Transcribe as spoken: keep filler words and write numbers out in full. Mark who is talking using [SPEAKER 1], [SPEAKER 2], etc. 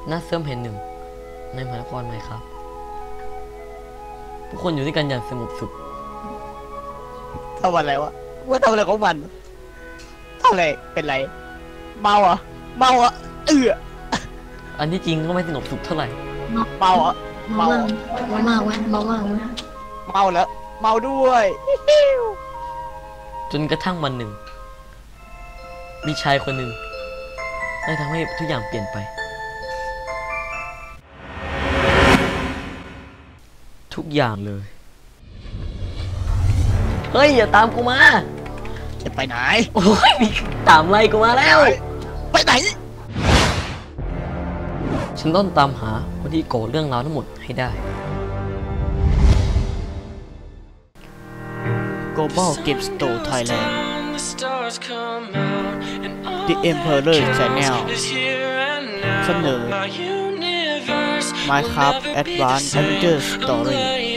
[SPEAKER 1] ณเซิร์ฟแห่งหนึ่งในมหานครไหมครับผู้คนอยู่ด้วยกันอย่างสงบสุข
[SPEAKER 2] ทำอะไรวะว่าทำอะไรของมันทำอะไรเป็นไรเมาอ่ะเมาอ่ะเออ
[SPEAKER 1] อันที่จริงก็ไม่สงบสุขเท่าไหร่
[SPEAKER 2] เมาอ่ะ
[SPEAKER 3] เมาเมามากเว้ยเมามากเว้ย
[SPEAKER 2] เมาแล้วเมาด้วย
[SPEAKER 1] จนกระทั่งวันหนึ่งมีชายคนหนึ่งได้ทำให้ทุกอย่างเปลี่ยนไปทุกอย่างเลยเฮ้ยอย่าตามกูมา
[SPEAKER 2] จะไปไหน
[SPEAKER 1] โอ้ยมีตามไล่กูมาแล้ว
[SPEAKER 2] ไปไหน
[SPEAKER 1] ฉันต้องตามหาคนที่ก่อเรื่องราวทั้งหมดให้ได้
[SPEAKER 2] Global Game Store Thailand The Emperor Channel เสนอ Minecraft Advanced Adventure Story